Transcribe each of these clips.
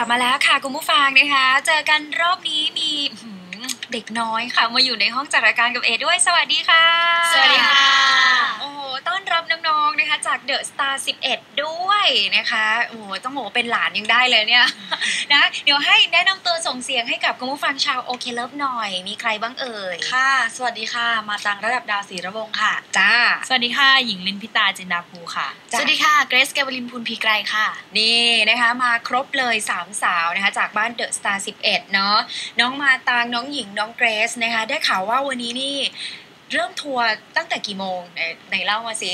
บมาแล้วค่ะคุณผู้ฟังนะคะเจอกันรอบนี้มีเด็กน้อยค่ะมาอยู่ในห้องจัดรายการกับเอด้วยสวัสดีค่ะสวัสดีค่ะโอ้โหต้อนรับน้องๆนะคะจากเดอะสตาร์11ด้วยนะคะโอ้โหต้องบอกว่าเป็นหลานยังได้เลยเนี่ยนะเดี๋ยวให้แนะนำตัวส่งเสียงให้กับคุณผู้ฟังชาวโอเคเลิฟหน่อยมีใครบ้างเอ่ยค่ะสวัสดีค่ะมาตังระดับดาวศรีระวงค่ะจ้าสวัสดีค่ะหญิงลินพิตาจินดาภูค่ะสวัสดีค่ะเกรซเกวลินพูลพีไกรค่ะนี่นะคะมาครบเลย3สาวนะคะจากบ้านเดอะสตาร์11เนาะน้องมาตางน้องหญิงน้องเกรซนะคะได้ข่าวว่าวันนี้นี่เริ่มทัวร์ตั้งแต่กี่โมงไหนเล่ามาสิ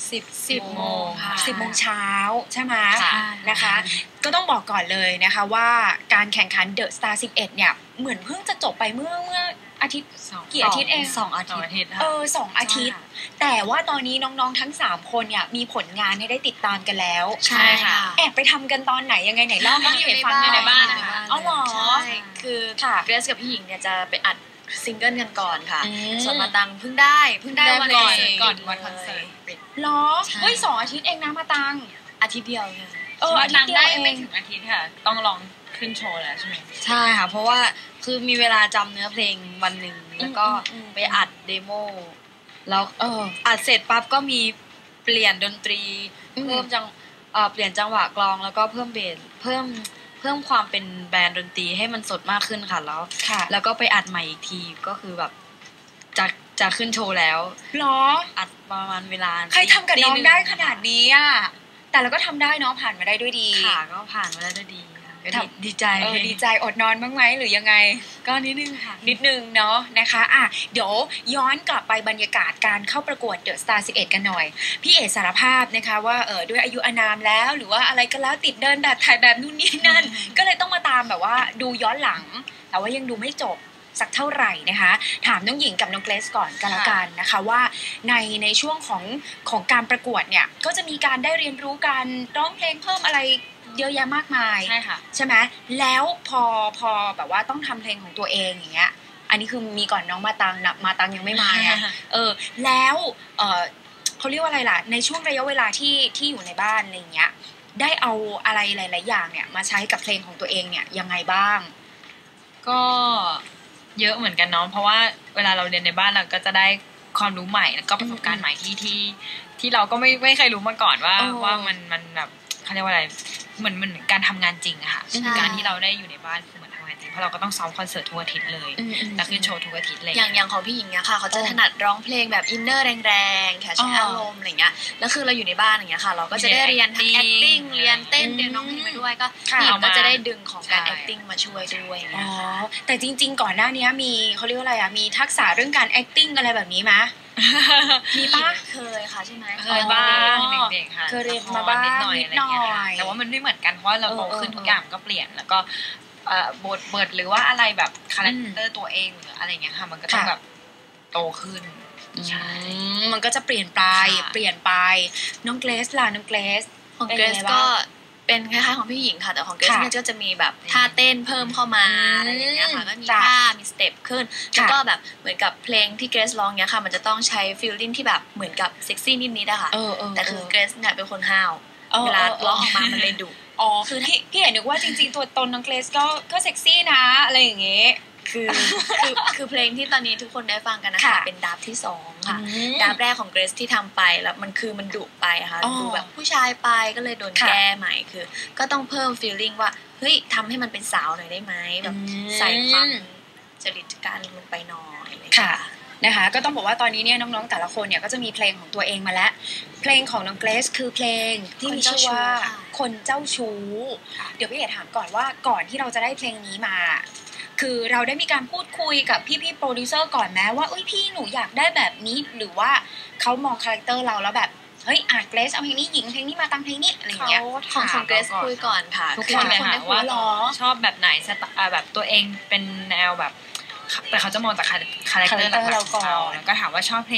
10 โมงค่ะ 10 โมงเช้าใช่ไหมนะคะก็ต้องบอกก่อนเลยนะคะว่าการแข่งขันเดอะสตาร์11เนี่ยเหมือนเพิ่งจะจบไปเมื่ออาทิตย์กี่อาทิตย์เอง 2 อาทิตย์ 2 อาทิตย์แต่ว่าตอนนี้น้องๆทั้ง3คนเนี่ยมีผลงานให้ได้ติดตามกันแล้วใช่ค่ะแอบไปทำกันตอนไหนยังไงไหนเล่าก็อยู่ในบ้านนะคะอ๋อเหรอใช่คือเกรซกับพี่หญิงเนี่ยจะไปอัดซิงเกิลกันก่อนค่ะส่วนมาตังเพิ่งได้วันก่อนวันคอนเสิร์ตหรอเฮ้ย2 อาทิตย์เองนะมาตังอาทิตย์เดียวค่ะมาตังได้ไม่ถึงอาทิตย์ค่ะต้องลองขึ้นโชว์แล้วใช่ไหมใช่ค่ะเพราะว่าคือมีเวลาจำเนื้อเพลงวันหนึ่งแล้วก็ไปอัดเดโมแล้วอัดเสร็จปั๊บก็มีเปลี่ยนดนตรีเพิ่มเปลี่ยนจังหวะกลองแล้วก็เพิ่มเบสเพิ่มความเป็นแบรนด์ดนตรีให้มันสดมากขึ้นค่ะแล้วก็ไปอัดใหม่อีกทีก็คือแบบจะขึ้นโชว์แล้วหรออัดประมาณเวลาใครทำกับน้องได้ขนาดนี้อ่ะแต่เราก็ทำได้เนาะผ่านมาได้ด้วยดีค่ะก็ผ่านมาได้ด้วยดีดีใจอดนอนบ้างไหมหรือยังไงก็นิดนึงค่ะนิดนึงเนาะนะคะเดี๋ยวย้อนกลับไปบรรยากาศการเข้าประกวดเดอะสตาร์11กันหน่อยพี่เอ๋สารภาพนะคะว่าด้วยอายุอานามแล้วหรือว่าอะไรก็แล้วติดเดินแบบถ่ายแบบนู่นนี่นั่นก็เลยต้องมาตามแบบว่าดูย้อนหลังแต่ว่ายังดูไม่จบสักเท่าไหร่นะคะถามน้องหญิงกับน้องเกรซก่อนกันละกันนะคะว่าในช่วงของการประกวดเนี่ยก็จะมีการได้เรียนรู้การร้องเพลงเพิ่มอะไรเยอะแยะมากมายใช่ค่ะใช่ไหมแล้วพอแบบว่าต้องทำเพลงของตัวเองอย่างเงี้ยอันนี้คือมีก่อนน้องมาตังยังไม่มาเนี่ยแล้วเขาเรียกว่าอะไรล่ะในช่วงระยะเวลาที่อยู่ในบ้านอะไรเงี้ยได้เอาอะไรหลายๆอย่างเนี่ยมาใช้กับเพลงของตัวเองเนี่ยยังไงบ้างก็เยอะเหมือนกันเนาะเพราะว่าเวลาเราเรียนในบ้านเราก็จะได้ความรู้ใหม่แล้วก็ประสบการณ์ใหม่ที่เราก็ไม่เคยรู้มาก่อนว่ามันแบบเขาเรียกว่าอะไรเหมือนการทำงานจริงอะค่ะการที่เราได้อยู่ในบ้านคือเหมือนทำงานจริงเพราะเราก็ต้องซ้อมคอนเสิร์ตทุกอาทิตย์เลยแล้วขึ้นโชว์ทุกอาทิตย์เลยอย่างของพี่หญิงเนี่ยค่ะเขาจะถนัดร้องเพลงแบบอินเนอร์แรงๆแค่ใช้อารมณ์อะไรเงี้ยแล้วคือเราอยู่ในบ้านอย่างเงี้ยค่ะเราก็จะได้เรียนทั้ง acting เรียนเต้นเรียนร้องเพลงไปด้วยก็พี่หญิงก็จะได้ดึงของการ acting มาช่วยด้วยแต่จริงๆก่อนหน้านี้มีเขาเรียกว่าอะไรมีทักษะเรื่องการ acting อะไรแบบนี้ไหมมีปะเคยค่ะใช่ไหมเคยบ้างเด็กๆค่ะเคยเรียนมาบ้างนิดหน่อยแต่ว่ามันไม่เหมือนกันเพราะเราโตขึ้นทุกอย่างก็เปลี่ยนแล้วก็บทหรือว่าอะไรแบบคาแรคเตอร์ตัวเองหรืออะไรเงี้ยค่ะมันก็ต้องแบบโตขึ้นใช่มันก็จะเปลี่ยนไปน้องเกรซล่ะน้องเกรซของเกรซก็เป็นคล้ายๆของพี่หญิงค่ะแต่ของเกรซเนี่ยก็จะมีแบบท่าเต้นเพิ่มเข้ามาอะไรอย่างเงี้ยค่ะก็มีท่ามีสเต็ปขึ้นแล้วก็แบบเหมือนกับเพลงที่เกรซร้องเนี้ยค่ะมันจะต้องใช้ฟีลลิ่งที่แบบเหมือนกับเซ็กซี่นิดๆอะค่ะแต่คือเกรซเนี่ยเป็นคนห้าวเวลาร้องออกมามันเลยดุคือพี่เห็นนึกว่าจริงๆตัวตนน้องเกรซก็เซ็กซี่นะอะไรอย่างเงี้ยคือเพลงที่ตอนนี้ทุกคนได้ฟังกันนะคะเป็นดับที่2ค่ะดับแรกของเกรซที่ทำไปแล้วมันดุไปค่ะดูแบบผู้ชายไปก็เลยโดนแก้ใหม่คือก็ต้องเพิ่มฟีลลิ่งว่าเฮ้ยทำให้มันเป็นสาวหน่อยได้ไหมแบบใส่ความจริตการลงไปหน่อยค่ะนะคะก็ต้องบอกว่าตอนนี้เนี่ยน้องๆแต่ละคนเนี่ยก็จะมีเพลงของตัวเองมาแล้วเพลงของน้องเกรซคือเพลงที่มีชื่อว่าคนเจ้าชู้เดี๋ยวพี่เอ๋ถามก่อนว่าก่อนที่เราจะได้เพลงนี้มาคือเราได้มีการพูดคุยกับพี่ๆโปรดิวเซอร์ก่อนไหมว่าพี่หนูอยากได้แบบนี้หรือว่าเขามองคาแรคเตอร์เราแล้วแบบเฮ้ยเกรซเอาเพลงนี้หญิงเพลงนี้มาตั้งเพลงนี้อะไรอย่างเงี้ยของเกรซคุยก่อนค่ะทุกคนเลยค่ะว่าชอบแบบไหนแบบตัวเองเป็นแนวแบบแต่เขาจะมองจากคาแรคเตอร์เราก่อนแล้วก็ถามว่าชอบเพลง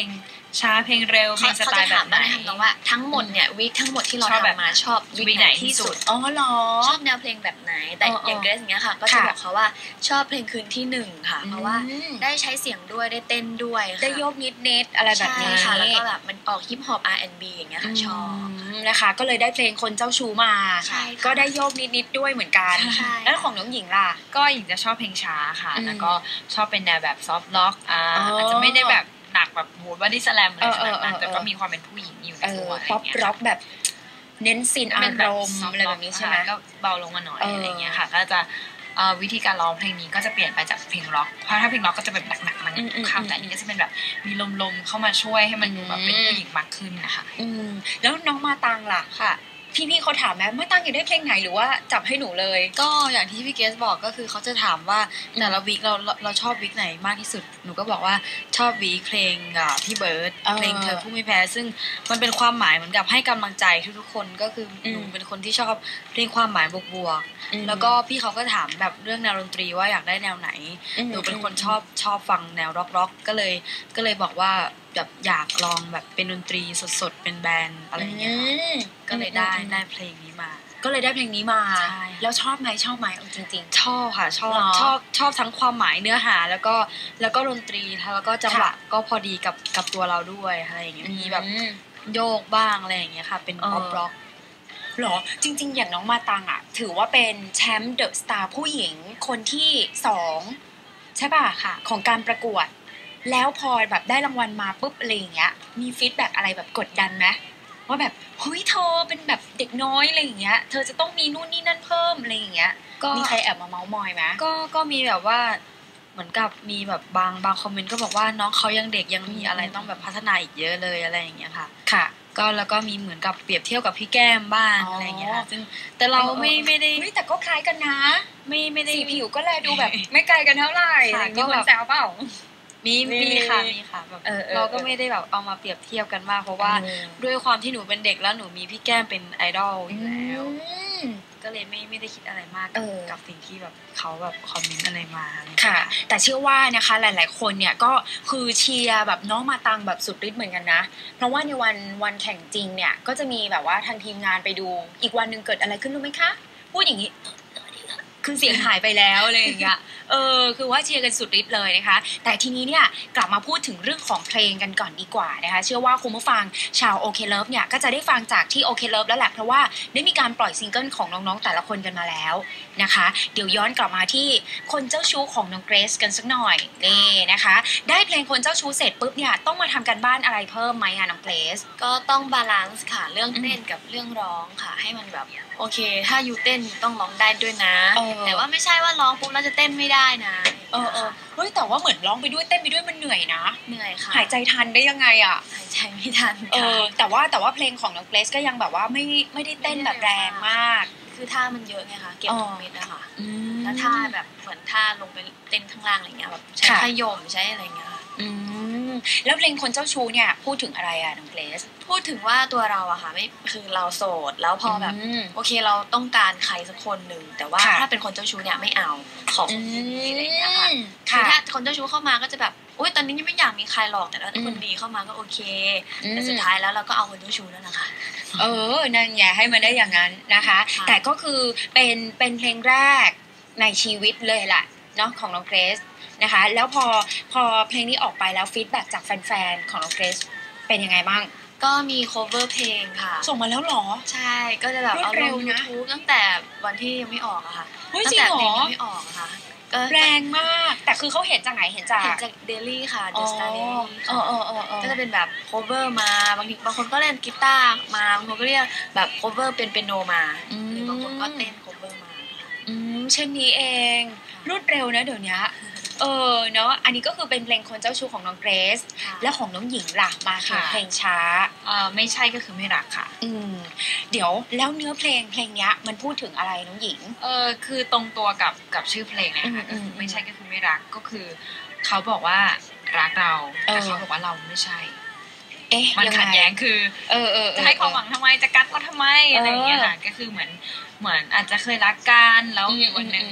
ช้าเพลงเร็วเพลงสไตล์แบบไหนเขาจะถามว่าทำนองว่าทั้งหมดเนี่ยวีคทั้งหมดที่เราชอบแบบทำมาชอบวีคไหนที่สุดอ๋อเหรอชอบแนวเพลงแบบไหนแต่อย่างเกรซอย่างเงี้ยค่ะก็จะบอกเขาว่าชอบเพลงคืนที่หนึ่งค่ะเพราะว่าได้ใช้เสียงด้วยได้เต้นด้วยค่ะได้โยกนิดๆอะไรแบบนี้ใช่ค่ะแล้วก็แบบมันออกฮิปฮอป R&B อย่างเงี้ยค่ะชอบนะคะก็เลยได้เพลงคนเจ้าชู้มาใช่ค่ะก็ได้โยกนิดๆด้วยเหมือนกันใช่แล้วของน้องหญิงล่ะก็หญิงจะชอบเพลงช้าค่ะอืมแล้วก็ชอบเป็นแนวแบบซอฟต์ล็อกอาจจะไม่ได้แบบหนักแบบโหบอดี้สแลมอะไรขนาดนั้นแต่ก็มีความเป็นผู้หญิงอยู่ในตัวอะไรป๊อปเงี้ยร็อกแบบเน้นซีนอาเป็นรแบบมณ์อะไรแบบนี้ใช่ไหมก็เบาลงมาหน่อยเออออะไรเงี้ยค่ะก็จะวิธีการร้องเพลงนี้ก็จะเปลี่ยนไปจากเพลงร็อกเพราะถ้าเพลงร็อกก็จะแบบหนักๆมันคำแต่อันนี้ก็จะเป็นแบบมีลมๆเข้ามาช่วยให้มันดูแบบเป็นผู้หญิงมากขึ้นนะคะแล้วน้องมาตังล่ะค่ะพี่เขาถามไหมมาตังอยากได้เพลงไหนหรือว่าจับให้หนูเลยก็อย่างที่พี่เกสบอกก็คือเขาจะถามว่าแต่ละวีคเราชอบวีคไหนมากที่สุดหนูก็บอกว่าชอบวีคเพลงพี่เบิร์ดเพลงเธอผู้ไม่แพ้ซึ่งมันเป็นความหมายเหมือนกับให้กำลังใจทุกๆคนก็คือหนูเป็นคนที่ชอบเพลงความหมายบวกๆแล้วก็พี่เขาก็ถามแบบเรื่องแนวดนตรีว่าอยากได้แนวไหนหนูเป็นคนชอบฟังแนวร็อกก็เลยบอกว่าแบบอยากลองแบบเป็นดนตรีสดๆเป็นแบนด์อะไรอย่างเงี้ยก็เลยได้เพลงนี้มาก็เลยได้เพลงนี้มาใช่แล้วชอบไหมเอาจริงชอบค่ะชอบหรอชอบทั้งความหมายเนื้อหาแล้วก็ดนตรีแล้วก็จังหวะก็พอดีกับตัวเราด้วยอะไรอย่างเงี้ยมีแบบโยกบ้างอะไรอย่างเงี้ยค่ะเป็นป๊อปร็อกหรอจริงๆอย่างน้องมาตังอ่ะถือว่าเป็นแชมป์เดอะสตาร์ผู้หญิงคนที่2ใช่ป่ะค่ะของการประกวด แล้วพอแบบได้รางวัลมาปุ๊บอะไรอย่างเงี้ยมีฟีดแบ็กอะไรแบบกดดันไหมว่าแบบเฮ้ยเธอเป็นแบบเด็กน้อยอะไรอย่างเงี้ยเธอจะต้องมีนู่นนี่นั่นเพิ่มอะไรอย่างเงี้ยก็มีใครแอบมาเมาส์มอยไหมก็มีแบบว่าเหมือนกับมีแบบบางคอมเมนต์ก็บอกว่าน้องเขายังเด็กยังมีอะไรต้องแบบพัฒนาอีกเยอะเลยอะไรอย่างเงี้ยค่ะค่ะก็แล้วก็มีเหมือนกับเปรียบเทียบกับพี่แก้มบ้างอ๋อออะไรอย่างเงี้ยค่ะซึ่งแต่เราไม่ได้เฮ้ยแต่ก็คล้ายกันนะไม่ได้สีผิวก็แลดูแบบ ไม่ไกลกันเท่าไหร่ค่ะมีคนแซวเปล่ามีค่ะแบบ เราก็ไม่ได้แบบเอามาเปรียบเทียบกันมากเพราะว่าด้วยความที่หนูเป็นเด็กแล้วหนูมีพี่แก้มเป็นไอดอลอยู่แล้วก็เลยไม่ได้คิดอะไรมากกับสิ่งที่แบบเขาแบบคอมเมนต์อะไรมาอะไรอย่างเงี้ยค่ะ แต่เชื่อว่านะคะหลายๆคนเนี่ยก็คือเชียร์แบบน้องมาตังแบบสุดฤทธิ์เหมือนกันนะเพราะว่าในวันแข่งจริงเนี่ยก็จะมีแบบว่าทางทีมงานไปดูอีกวันหนึ่งเกิดอะไรขึ้นรู้ไหมคะพูดอย่างนี้คือเสียงหายไปแล้วอะไรอย่างเงี้ยคือว่าเชียร์กันสุดฤทธิ์เลยนะคะแต่ทีนี้เนี่ยกลับมาพูดถึงเรื่องของเพลงกันก่อนดีกว่านะคะเชื่อว่าคุณผู้ฟังชาวโอเคเลิฟเนี่ยก็จะได้ฟังจากที่โอเคเลิฟแล้วแหละเพราะว่าได้มีการปล่อยซิงเกิลของน้องๆแต่ละคนกันมาแล้วนะคะเดี๋ยวย้อนกลับมาที่คนเจ้าชู้ของน้องเกรซกันสักหน่อยนี่นะคะได้เพลงคนเจ้าชู้เสร็จปุ๊บเนี่ยต้องมาทำกันบ้านอะไรเพิ่มไหมอะน้องเกรซก็ต้องบาลานซ์ค่ะเรื่องเต้นกับเรื่องร้องค่ะให้มันแบบโอเคถ้ายูเต้นยูต้องร้องได้ด้วยนะแต่ว่าไม่ใช่ว่าร้องปุ๊บแล้วจะเต้นไม่ได้นะเฮ้ยแต่ว่าเหมือนร้องไปด้วยเต้นไปด้วยมันเหนื่อยนะเหนื่อยค่ะหายใจทันได้ยังไงอ่ะหายใจไม่ทันค่ะแต่ว่าเพลงของน้องเกรซก็ยังแบบว่าไม่ได้เต้นแบบแรงมากคือท่ามันเยอะไงคะเก็บทุกเม็ดอะค่ะแล้วท่าแบบเหมือนท่าลงไปเต้นข้างล่างอะไรเงี้ยแบบใช้ขยมใช้อะไรเงี้ยแล้วเพลงคนเจ้าชู้เนี่ยพูดถึงอะไรอะน้องเกรซพูดถึงว่าตัวเราอะค่ะไม่คือเราโสดแล้วพอแบบโอเคเราต้องการใครสักคนหนึ่งแต่ว่าถ้าเป็นคนเจ้าชู้เนี่ยไม่เอาขอคนดีอะไรเงี้ยค่ะคือถ้าคนเจ้าชู้เข้ามาก็จะแบบอุ๊ยตอนนี้ยังไม่อยากมีใครหรอกแต่ถ้าคนดีเข้ามาก็โอเคแต่สุดท้ายแล้วเราก็เอาคนเจ้าชู้นั่นแหละค่ะนั่นไงให้มันได้อย่างนั้นนะคะแต่ก็คือเป็นเพลงแรกในชีวิตเลยแหละเนาะของน้องเกรซนะคะแล้วพอเพลงนี้ออกไปแล้วฟีดแบ็กจากแฟนๆของน้องเกรซเป็นยังไงบ้างก็มี cover เพลงค่ะส่งมาแล้วหรอใช่ก็จะแบบเอาลง YouTube ตั้งแต่วันที่ยังไม่ออกอะค่ะตั้งแต่เพลงยังไม่ออกอะค่ะแรงมากแต่คือเขาเห็นจากไหนเห็นจากเดลี่ค่ะ The Star Daily ก็จะเป็นแบบ cover มาบางคนก็เล่นกีตาร์มาบางคนก็เรียกแบบ cover เป็นเปียโนมาหรือบางคนก็เต้น cover มาเช่นนี้เองรวดเร็วนะเดี๋ยวนี้เนาะอันนี้ก็คือเป็นเพลงคนเจ้าชู้ของน้องเกรซแล้วของน้องหญิงล่ะมาถึงเพลงช้าไม่ใช่ก็คือไม่รักค่ะเดี๋ยวแล้วเนื้อเพลงเนี้ยมันพูดถึงอะไรน้องหญิงคือตรงตัวกับชื่อเพลงนะคะไม่ใช่ก็คือไม่รักก็คือเขาบอกว่ารักเราแต่เขาบอกว่าเราไม่ใช่มันขัดแย้งคือจะให้ความหวังทำไมจะกักเราทำไมอะไรอย่างเงี้ยค่ะก็คือเหมือนอาจจะเคยรักกันแล้ววันหนึ่ง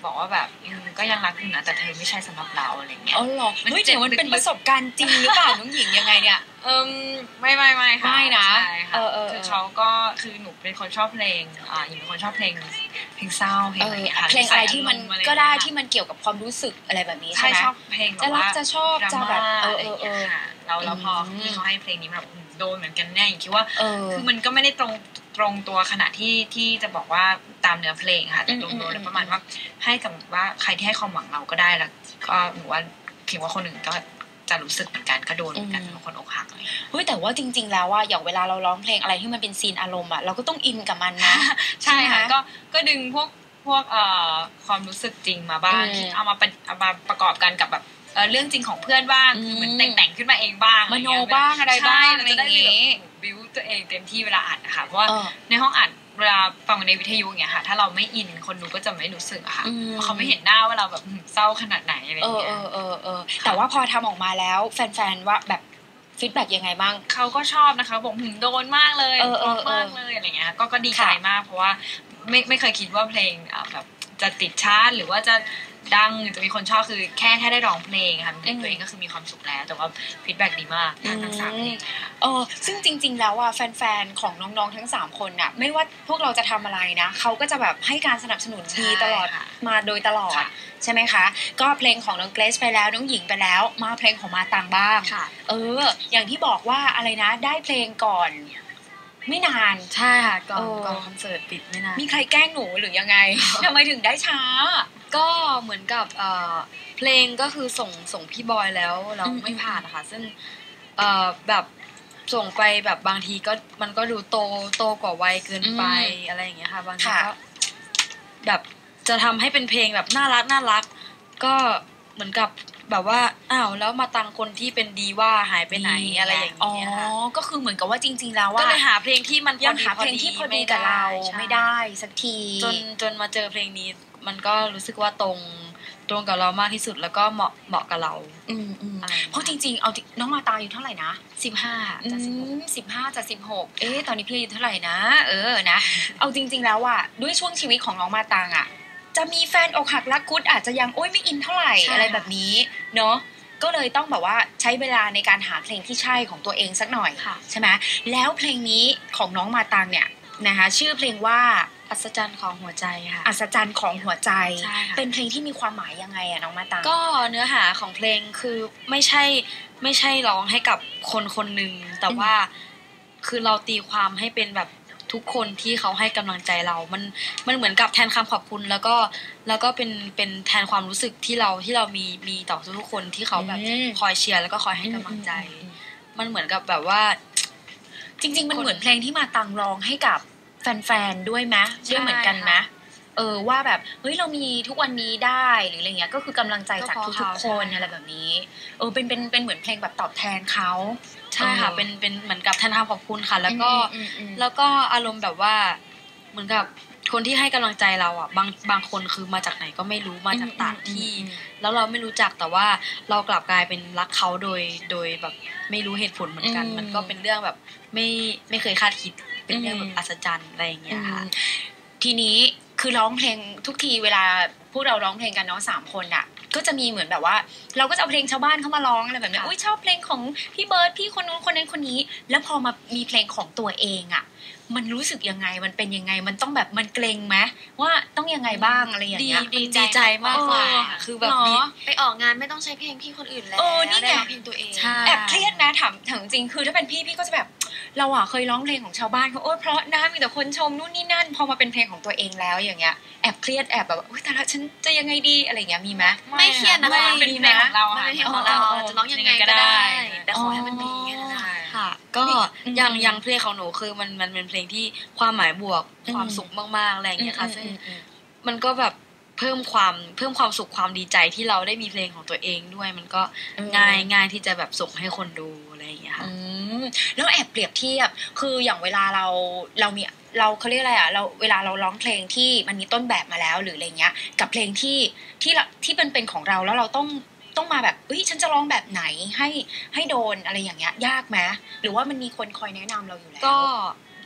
บอกว่าแบบก็ยังรักอยู่นะแต่เธอไม่ใช่สำหรับเราอะไรเงี้ยอ๋อเหรอเฮ้ยเดี๋ยวมันเป็นประสบการณ์จริงหรือเปล่าน้องหญิงยังไงเนี่ยไม่ค่ะไม่นะใช่ค่ะคือเขาก็คือหนูเป็นคนชอบเพลงหญิงเป็นคนชอบเพลงเศร้าเพลงอะไรอย่างเงี้ยค่ะเพลงอะไรที่มันก็ได้ที่มันเกี่ยวกับความรู้สึกอะไรแบบนี้ใช่ไหมชอบเพลงจะรักจะชอบจะแบบเราพอที่เขาให้เพลงนี้แบบโดนเหมือนกันแน่คิดว่าคือมันก็ไม่ได้ตรงตัวขนาดที่จะบอกว่าตามเนื้อเพลงค่ะแต่โดนแล้วประมาณว่าให้กับว่าใครที่ให้ความหวังเราก็ได้แล้วก็หนูว่าคิดว่าคนอื่นก็จะรู้สึกเหมือนกันก็โดนเหมือนกันบางคนอกหักเลยเฮ้ยแต่ว่าจริงๆแล้วว่าอย่างเวลาเราร้องเพลงอะไรที่มันเป็นซีนอารมณ์อ่ะเราก็ต้องอินกับมันนะใช่ค่ะก็ดึงพวกความรู้สึกจริงมาบ้างเอามาประกอบกันกับแบบเรื่องจริงของเพื่อนบ้างคือเหมือนแต่งขึ้นมาเองบ้างมโนบ้างอะไรบ้างอะไรอย่างงี้บิวตัวเองเต็มที่เวลาอัดนะคะเพราะว่าในห้องอัดเวลาฟังในวิทยุอย่างเงี้ยค่ะถ้าเราไม่อินคนดูก็จะไม่รู้สึกอะค่ะเพราะเขาไม่เห็นหน้าว่าเราแบบเศร้าขนาดไหนอะไรอย่างเงี้ยแต่ว่าพอทำออกมาแล้วแฟนๆว่าแบบฟีดแบ็กยังไงบ้างเขาก็ชอบนะคะบอกโดนมากเลยมากเลยอะไรเงี้ยก็ดีใจมากเพราะว่าไม่เคยคิดว่าเพลงแบบจะติดชาร์ตหรือว่าจะดังจะมีคนชอบคือแค่ได้ร้องเพลงค่ะตัวเองก็คือมีความสุขแล้วแต่ว่าฟีดแบ็กดีมากทั้ง3เพลงซึ่งจริงๆแล้วอ่ะแฟนๆของน้องๆทั้ง3คนน่ะไม่ว่าพวกเราจะทำอะไรนะเขาก็จะแบบให้การสนับสนุนดีตลอดมาโดยตลอดใช่ไหมคะก็เพลงของน้องเกรซไปแล้วน้องหญิงไปแล้วมาเพลงของมาตังบ้างอย่างที่บอกว่าอะไรนะได้เพลงก่อนไม่นานใช่ค่ะก่อนคอนเสิร์ตปิดไม่นานมีใครแกล้งหนูหรือยังไงทำไมถึงได้ช้าก็เหมือนกับเพลงก็คือส่งพี่บอยแล้วเราไม่ผ่านนะคะซึ่งแบบส่งไปแบบบางทีก็มันก็ดูโตกว่าวัยเกินไปอะไรอย่างเงี้ยค่ะบางทีก็แบบจะทำให้เป็นเพลงแบบน่ารักก็เหมือนกับแบบว่าอ้าวแล้วมาตังคนที่เป็นดีว่าหายไปไหนอะไรอย่างเงี้ยค่ะก็คือเหมือนกับว่าจริงๆแล้วว่าก็เลยหาเพลงที่มันยังหาเพลงที่พอดีกับเราไม่ได้สักทีจนมาเจอเพลงนี้มันก็รู้สึกว่าตรงกับเรามากที่สุดแล้วก็เหมาะกับเราเพราะจริงๆเอาน้องมาตาอยู่เท่าไหร่นะ 15จะ 15จะ16ตอนนี้พี่อายุเท่าไหร่นะนะเอาจริงๆแล้วอ่ะด้วยช่วงชีวิตของน้องมาตางอ่ะจะมีแฟนอกหักรักคุดอาจจะยังไม่อินเท่าไหร่อะไรแบบนี้เนาะก็เลยต้องแบบว่าใช้เวลาในการหาเพลงที่ใช่ของตัวเองสักหน่อยใช่ไหมแล้วเพลงนี้ของน้องมาตางเนี่ยนะคะชื่อเพลงว่าอัศจรรย์ของหัวใจค่ะอัศจรรย์ของหัวใจเป็นเพลงที่มีความหมายยังไงอะน้องมาตางก็เนื้อหาของเพลงคือไม่ใช่ร้องให้กับคนหนึ่งแต่ว่าคือเราตีความให้เป็นแบบทุกคนที่เขาให้กำลังใจเรามันเหมือนกับแทนคำขอบคุณแล้วก็เป็นแทนความรู้สึกที่เรามีต่อทุกคนที่เขาแบบคอยเชียร์แล้วก็คอยให้กำลังใจมันเหมือนกับแบบว่าจริงๆมันเหมือนเพลงที่มาตังร้องให้กับแฟนๆด้วยไหมด้วยเหมือนกันไหมว่าแบบเฮ้ยเรามีทุกวันนี้ได้หรืออะไรเงี้ยก็คือกำลังใจจากทุกๆคนอะไรแบบนี้เป็นเหมือนเพลงแบบตอบแทนเขาใช่ค่ะเป็นเหมือนกับแทนคำขอบคุณค่ะแล้วก็อารมณ์แบบว่าเหมือนกับคนที่ให้กำลังใจเราอ่ะบางคนคือมาจากไหนก็ไม่รู้มาจากต่างที่แล้วเราไม่รู้จักแต่ว่าเรากลับกลายเป็นรักเขาโดยแบบไม่รู้เหตุผลเหมือนกันมันก็เป็นเรื่องแบบไม่เคยคาดคิดเป็นเรื่องแบบอัศจรรย์อะไรอย่างเงี้ยค่ะทีนี้คือร้องเพลงทุกทีเวลาพวกเราร้องเพลงกันเนาะ3คนอ่ะก็จะมีเหมือนแบบว่าเราก็จะเอาเพลงชาวบ้านเข้ามาร้องอะไรแบบนี้ชอบเพลงของพี่เบิร์ดพี่คนนู้นคนนั้นคนนี้แล้วพอมามีเพลงของตัวเองอ่ะมันรู้สึกยังไงมันเป็นยังไงมันต้องแบบมันเกรงไหมว่าต้องยังไงบ้างอะไรอย่างเงี้ยดีใจมากเลยคือแบบไปออกงานไม่ต้องใช้เพลงพี่คนอื่นแล้วนี่ไงเพลงตัวเองแอบเครียดนะถามจริงคือถ้าเป็นพี่ก็จะแบบเราอ่ะเคยร้องเพลงของชาวบ้านเขาเพราะนะมีแต่คนชมนู่นนี่นั่นพอมาเป็นเพลงของตัวเองแล้วอย่างเงี้ยแอบเครียดแอบแบบว่าแต่ละฉันจะยังไงดีอะไรอย่างเงี้ยมีไหมไม่เครียดนะคะเป็นเพลงของเราเป็นเพลงของเราจะร้องยังไงก็ได้แต่ขอให้มันดีแค่นั้นค่ะก็อย่างเพลงของหนูคือมันเป็นเพลงที่ความหมายบวกความสุขมากๆอะไรอย่างเงี้ยค่ะซึ่งมันก็แบบเพิ่มความสุขความดีใจที่เราได้มีเพลงของตัวเองด้วยมันก็ง่ายที่จะแบบส่งให้คนดูอะไรอย่างเงี้ยค่ะแล้วแอบเปรียบเทียบคืออย่างเวลาเรามีเขาเรียกอะไรอ่ะเราเวลาเราร้องเพลงที่มันมีต้นแบบมาแล้วหรืออะไรเงี้ยกับเพลงที่เป็นของเราแล้วเราต้องมาแบบฉันจะร้องแบบไหนให้โดนอะไรอย่างเงี้ยยากไหมหรือว่ามันมีคนคอยแนะนำเราอยู่แล้วก็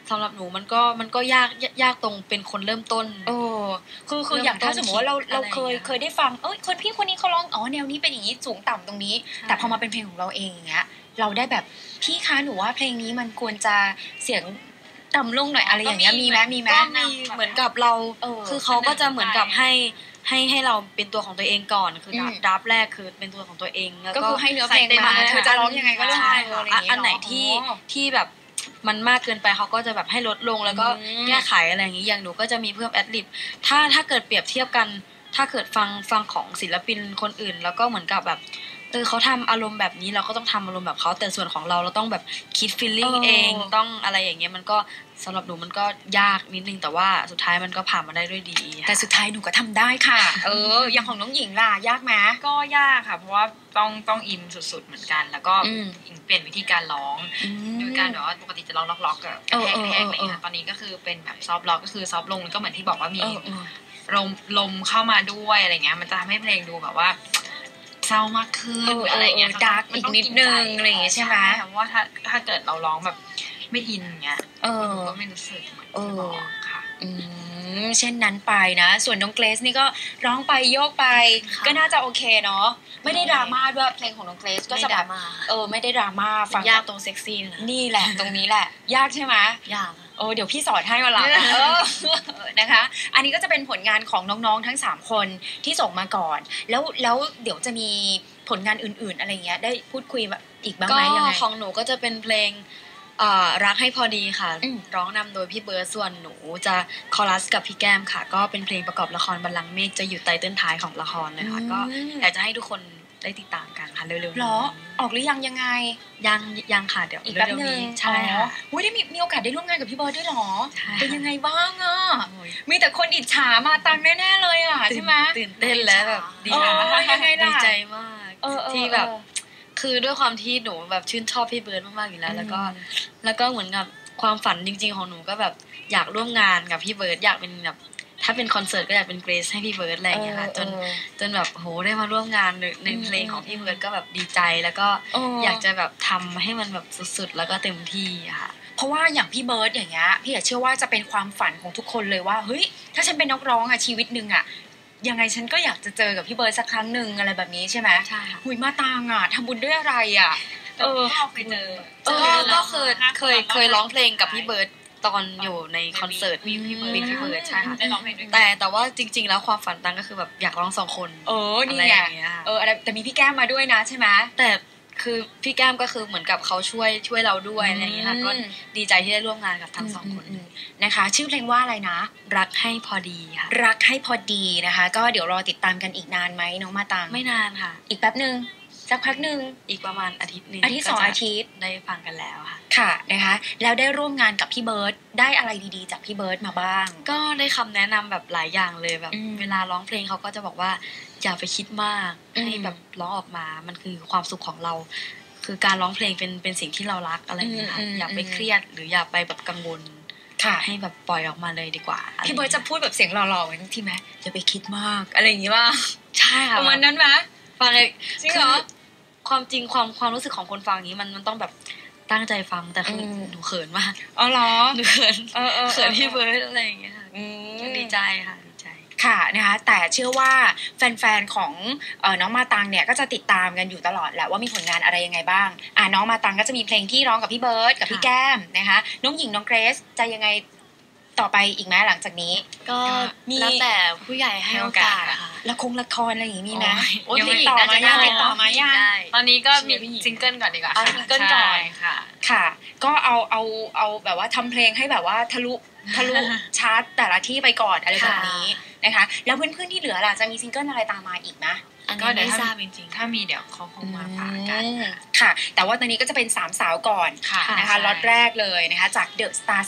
สำหรับหนูมันก็ยากตรงเป็นคนเริ่มต้นคืออย่างถ้าสมมติว่าเราเคยได้ฟังคนพี่คนนี้เขาร้องแนวนี้เป็นอย่างนี้สูงต่ำตรงนี้แต่พอมาเป็นเพลงของเราเองอย่างเงี้ยเราได้แบบพี่คะหนูว่าเพลงนี้มันควรจะเสียงต่ำลงหน่อยอะไรอย่างเงี้ยมีไหมก็มีเหมือนกับเราคือเขาก็จะเหมือนกับให้เราเป็นตัวของตัวเองก่อนคือดับแรกคือเป็นตัวของตัวเองแล้วก็คือให้เนื้อเพลงมาเธอจะร้องยังไงก็ได้อันไหนที่แบบมันมากเกินไปเขาก็จะแบบให้ลดลงแล้วก็แก้ไขอะไรอย่างนี้อย่างหนูก็จะมีเพิ่มแอดลิบถ้าเกิดเปรียบเทียบกันถ้าเกิดฟังของศิลปินคนอื่นแล้วก็เหมือนกับแบบเขาทำอารมณ์แบบนี้เราก็ต้องทำอารมณ์แบบเขาแต่ส่วนของเราต้องแบบคิดฟีลลิ่งเองต้องอะไรอย่างเงี้ยมันก็สำหรับหนูมันก็ยากนิดนึงแต่ว่าสุดท้ายมันก็ผ่านมาได้ด้วยดีแต่สุดท้ายหนูก็ทำได้ค่ะอย่างของน้องหญิงล่ะยากไหมก็ยากค่ะเพราะว่าต้องอินสุดๆเหมือนกันแล้วก็เปลี่ยนวิธีการร้องโดยการแบบว่าปกติจะร้องล็อกๆกับแห้งๆอะไรอย่างเงี้ยตอนนี้ก็คือเป็นแบบซอฟต์ล็อกก็คือซอฟต์ลงก็เหมือนที่บอกว่ามีลมเข้ามาด้วยอะไรเงี้ยมันจะทำให้เพลงดูแบบว่าเศร้ามากขึ้นอะไรเงี้ยดาร์กอีกนิดนึงอะไรอย่างเงี้ยใช่ไหมเพราะว่าถ้าเกิดเราร้องแบบไม่อินเงี้ยก็ไม่รู้สึกเหมือนจะร้องค่ะเช่นนั้นไปนะส่วนน้องเกรซนี่ก็ร้องไปโยกไปก็น่าจะโอเคเนาะไม่ได้ดราม่าด้วยเพลงของน้องเกรซก็จะแบบไม่ได้ดราม่าฟังยากตรงเซ็กซี่นี่แหละตรงนี้แหละยากใช่ไหมยากเดี๋ยวพี่สอนให้วันหลังนะคะอันนี้ก็จะเป็นผลงานของน้องๆทั้ง3คนที่ส่งมาก่อนแล้วเดี๋ยวจะมีผลงานอื่นๆอะไรเงี้ยได้พูดคุยอีกบ้างไหมยังไงของหนูก็จะเป็นเพลงรักให้พอดีค่ะร้องนำโดยพี่เบิร์ดส่วนหนูจะคอรัสกับพี่แก้มค่ะก็เป็นเพลงประกอบละครบัลลังก์เมฆจะอยู่ไตเติ้ลท้ายของละครเลยค่ะก็อยากจะให้ทุกคนได้ติดตามกันค่ะเร็วๆหรอออกหรือยังไงยังค่ะเดี๋ยวอีกแป๊บนึงใช่ค่ะได้มีโอกาสได้ร่วมงานกับพี่เบิร์ดด้วยหรอเป็นยังไงบ้างอ่ะมีแต่คนอิจฉามาตังแน่ๆเลยอ่ะใช่ไหมตื่นเต้นแล้วแบบดีใจมากที่แบบคือด้วยความที่หนูแบบชื่นชอบพี่เบิร์ดมากๆอยู่แล้วแล้วก็เหมือนกับความฝันจริงๆของหนูก็แบบอยากร่วมงานกับพี่เบิร์ดอยากเป็นแบบถ้าเป็นคอนเสิร์ตก็อยากเป็นเกรซให้พี่เบิร์ดอะไรอย่างเงี้ยค่ะจนแบบโหได้มาร่วมงานในเพลงของพี่เบิร์ดก็แบบดีใจแล้วก็อยากจะแบบทำให้มันแบบสุดๆแล้วก็เต็มที่ค่ะเพราะว่าอย่างพี่เบิร์ดอย่างเงี้ยพี่เชื่อว่าจะเป็นความฝันของทุกคนเลยว่าเฮ้ยถ้าฉันเป็นนักร้องอะชีวิตนึงอะยังไงฉันก็อยากจะเจอกับพี่เบิร์ดสักครั้งหนึ่งอะไรแบบนี้ใช่ไหมใช่หุยมาตางอ่ะทำบุญด้วยอะไรอ่ะเคยเจอก็เคยร้องเพลงกับพี่เบิร์ดตอนอยู่ในคอนเสิร์ตพี่เบิร์ดใช่ค่ะได้ร้องเพลงด้วยแต่ว่าจริงๆแล้วความฝันตังก็คือแบบอยากร้อง2คนนี่ไงแต่มีพี่แก้มมาด้วยนะใช่ไหมแต่คือพี่แก้มก็คือเหมือนกับเขาช่วยเราด้วยอะไรอย่างเงี้ยค่ะก็ดีใจที่ได้ร่วมงานกับทั้ง2คนนะคะชื่อเพลงว่าอะไรนะรักให้พอดีค่ะรักให้พอดีนะคะก็เดี๋ยวรอติดตามกันอีกนานไหมน้องมาตังไม่นานค่ะอีกแป๊บนึงสักพักนึงอีกประมาณอาทิตย์นึงอาทิตย์2อาทิตย์ได้ฟังกันแล้วค่ะค่ะนะคะแล้วได้ร่วมงานกับพี่เบิร์ดได้อะไรดีๆจากพี่เบิร์ดมาบ้างก็ได้คำแนะนำแบบหลายอย่างเลยแบบเวลาร้องเพลงเขาก็จะบอกว่าอย่าไปคิดมากให้แบบร้องออกมามันคือความสุขของเราคือการร้องเพลงเป็นสิ่งที่เรารักอะไรอย่างเงี้ยค่ะอย่าไปเครียดหรืออย่าไปแบบกังวลให้แบบปล่อยออกมาเลยดีกว่าพี่เบิร์ดจะพูดแบบเสียงหล่อๆเหมือนที่ไหมอย่าไปคิดมากอะไรอย่างงี้ว่าใช่ค่ะประมาณนั้นไหมฟังเลยจริงเหรอความจริงความรู้สึกของคนฟังนี้มันต้องแบบตั้งใจฟังแต่คือหนูเขินมากเหรอหนูเขินพี่เบิร์ดอะไรอย่างเงี้ยค่ะดีใจค่ะดีใจค่ะนะคะแต่เชื่อว่าแฟนๆของน้องมาตังเนี่ยก็จะติดตามกันอยู่ตลอดแหละว่ามีผลงานอะไรยังไงบ้างน้องมาตังก็จะมีเพลงที่ร้องกับพี่เบิร์ดกับพี่แก้มนะคะน้องหญิงน้องเกรซจะยังไงต่อไปอีกไหมหลังจากนี้ก็แล้วแต่ผู้ใหญ่ให้โอกาสค่ะละครอะไรอย่างนี้มีไหมยังติดต่อมายังตอนนี้ก็มีซิงเกิลก่อนดีกว่าซิงเกิลก่อนค่ะก็เอาแบบว่าทำเพลงให้แบบว่าทะลุชาร์ตแต่ละที่ไปก่อนอะไรแบบนี้นะคะแล้วเพื่อนๆที่เหลือล่ะจะมีซิงเกิลอะไรตามมาอีกไหมก็เดี๋ยวทราบจริงๆถ้ามีเดี๋ยวเขาคงมาฝากกันค่ะแต่ว่าตอนนี้ก็จะเป็น3สาวก่อนนะคะล็อตแรกเลยนะคะจาก The Star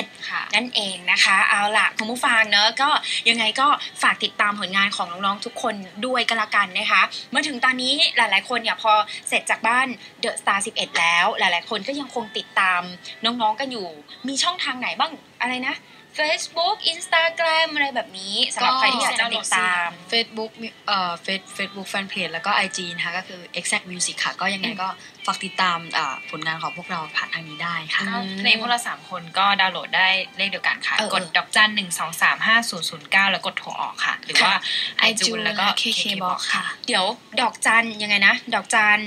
11นั่นเองนะคะเอาล่ะคุณผู้ฟังเนอะก็ยังไงก็ฝากติดตามผลงานของน้องๆทุกคนด้วยกันละกันนะคะเมื่อถึงตอนนี้หลายๆคนเนี่ยพอเสร็จจากบ้าน The Star 11แล้วหลายๆคนก็ยังคงติดตามน้องๆกันอยู่มีช่องทางไหนบ้างอะไรนะ Facebook Instagram อะไรแบบนี้สำหรับใครที่อยากจะติดตาม Facebook Facebook Fanpage แล้วก็ IG นะคะก็คือ Exact Music ค่ะก็ยังไงก็ฝากติดตามผลงานของพวกเราผ่านทางนี้ได้ค่ะในพวกเรา3คนก็ดาวน์โหลดได้เลขเดียวกันค่ะกดดอกจัน1235009แล้วกดโทรออกค่ะหรือว่า iTunes แล้วก็ KKBOX ค่ะเดี๋ยวดอกจันยังไงนะดอกจัน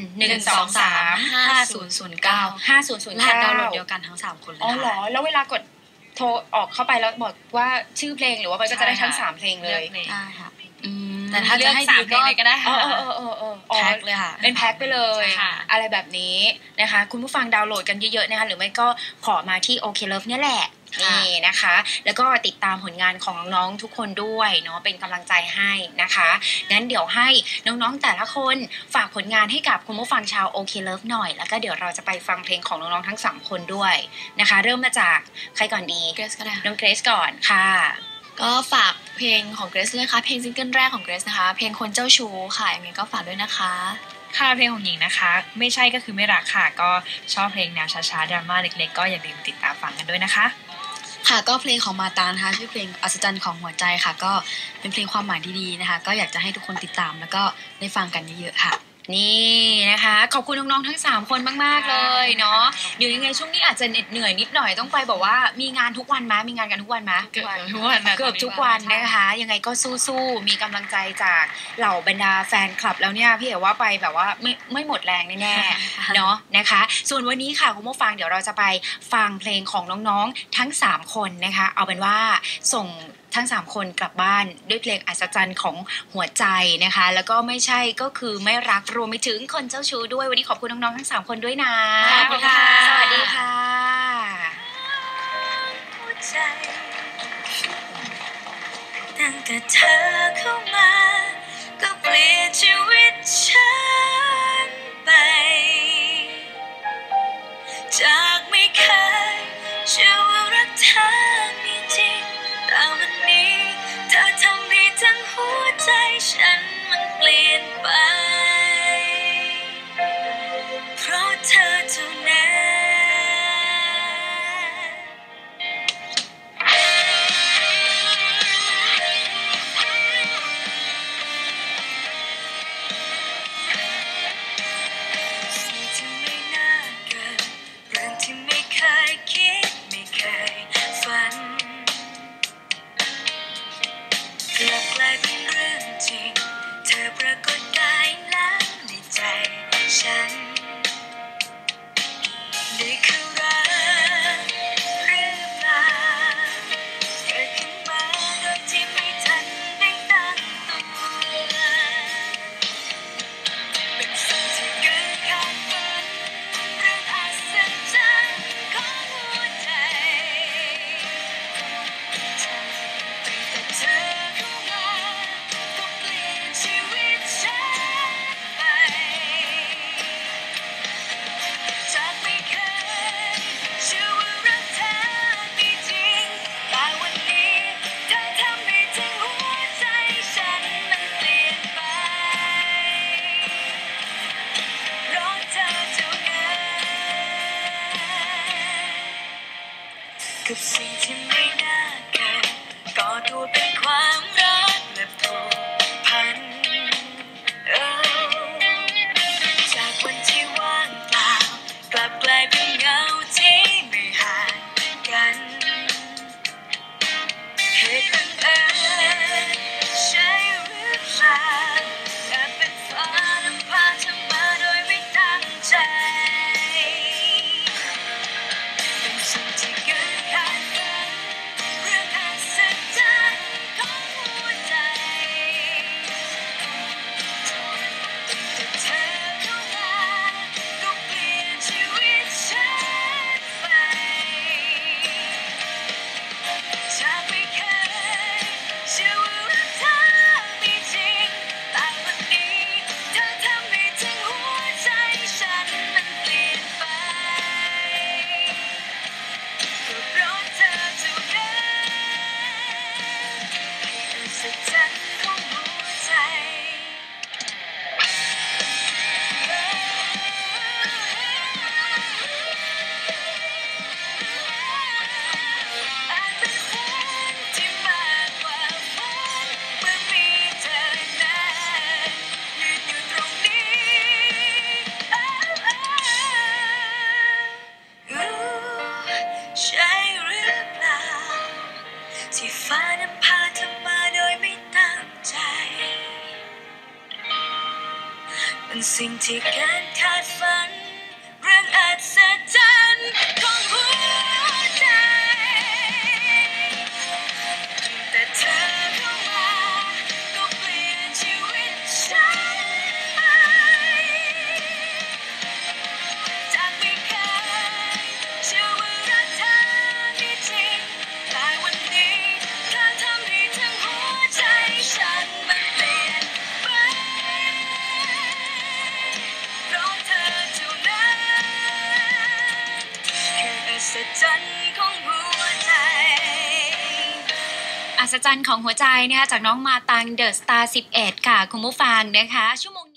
1235009 5009 รหัสดาวน์โหลดเดียวกันทั้ง3คนเลยอ๋อเหรอแล้วเวลากดโทรออกเข้าไปแล้วบอกว่าชื่อเพลงหรือว่ามันก็จะได้ทั้ง3เพลงเลยได้ค่ะแต่ถ้าจะให้ดีก็ได้ค่ะแพ็คเลยค่ะเป็นแพ็คไปเลยอะไรแบบนี้นะคะคุณผู้ฟังดาวน์โหลดกันเยอะๆนะคะหรือไม่ก็ขอมาที่ OK Love เนี่ยแหละนี่นะคะแล้วก็ติดตามผลงานของน้องๆทุกคนด้วยเนาะเป็นกำลังใจให้นะคะงั้นเดี๋ยวให้น้องๆแต่ละคนฝากผลงานให้กับคุณผู้ฟังชาว OK Love หน่อยแล้วก็เดี๋ยวเราจะไปฟังเพลงของน้องๆทั้ง3คนด้วยนะคะเริ่มมาจากใครก่อนดีเกรซก็ได้น้องเกรซก่อนค่ะก็ฝากเพลงของเกรซเลยค่ะเพลงซิงเกิลแรกของเกรซนะคะเพลงคนเจ้าชู้ค่ะยังไงก็ฝากด้วยนะคะค่ะเพลงของหญิงนะคะไม่ใช่ก็คือไม่รักค่ะก็ชอบเพลงแนวช้าๆดราม่าเล็กๆก็อย่าลืมติดตามฟังกันด้วยนะคะค่ะก็เพลงของมาตานะคะชื่อเพลงอัศจรรย์ของหัวใจค่ะก็เป็นเพลงความหมายดีๆนะคะก็อยากจะให้ทุกคนติดตามแล้วก็ได้ฟังกันเยอะๆค่ะนี่นะคะขอบคุณน้องๆทั้ง3คนมากๆเลยเนาะเดี๋ยวยังไงช่วงนี้อาจจะเหนื่อยนิดหน่อยต้องไปบอกว่ามีงานทุกวันมั้ยมีงานกันทุกวันมั้ยเกือบทุกวันนะคะยังไงก็สู้ๆมีกำลังใจจากเหล่าบรรดาแฟนคลับแล้วเนี่ยพี่เอ๋ว่าไปแบบว่าไม่หมดแรงแน่ๆเนาะนะคะส่วนวันนี้ค่ะคุณผู้ฟังเดี๋ยวเราจะไปฟังเพลงของน้องๆทั้ง3คนนะคะเอาเป็นว่าส่งทั้ง3คนกลับบ้านด้วยเพลงอัศจรรย์ของหัวใจนะคะแล้วก็ไม่ใช่ก็คือไม่รักรวมไปถึงคนเจ้าชู้ด้วยวันนี้ขอบคุณน้องๆทั้ง3คนด้วยนะขอบคุณค่ะสวัสดีค่ะตั้งแต่เธอเข้ามาก็เปลี่ยนชีวิตฉันไปจากไม่เคยเชื่อว่ารักเธอมีจริงแต่วันนี้เธอทำให้ทั้งหัวใจฉันมันเปลี่ยนไปเพราะเธอเท่านั้นสิ่งที่ไม่น่าเกิดเรื่องที่ไม่เคยคิดไม่เคยฝันกลับกลายเป็นเรื่องจริงเธอปรากฏกายแล้วในใจฉันนี่คือรักหรือเปล่าเกิดขึ้นมาโดยที่ไม่ทันได้ตั้งตัวเป็นสิ่งที่เกิดขาดฝันเรื่องอัศจรรย์ของหัวใจแต่เธอเข้ามาก็เปลี่ยนชีวิตฉันไปจากไม่เคยเชื่อว่ารักเธอมีจริงแต่วันนี้เธอทำให้ทั้งหัวใจฉันมันเปลี่ยนไปเพราะเธอเท่านั้นกับสิ่งที่ไม่น่าเกิดก่อตัวเป็นความรักและผูกพันจากวันที่ว่างเปล่ากลับกลายเป็นเงาที่ไม่ห่างกันเหตุบังเอิญใช่หรือเปล่าแต่เป็นฟ้านำพาเธอมาโดยไม่ตั้งใจเป็นสิ่งที่เกิดขาดฝัเป็นสิ่งที่เกินคาดฝันเรื่องอัศจรรย์ของหัวใจแต่เธอเข้ามาก็เปลี่ยนชีวิตฉันไปจากไม่เคยเชื่อว่ารักเธอมีจริงแต่วันนี้เธอทำให้ทั้งหัวใจฉันมันเปลี่ยนไปเพราะเธอเท่านั้นคืออัศจรรย์ของหัวใจอัศจรรย์ของหัวใจนะคะจากน้องมาตังเดอะสตาร์11ค่ะคุณผู้ฟังนะคะชั่วโมง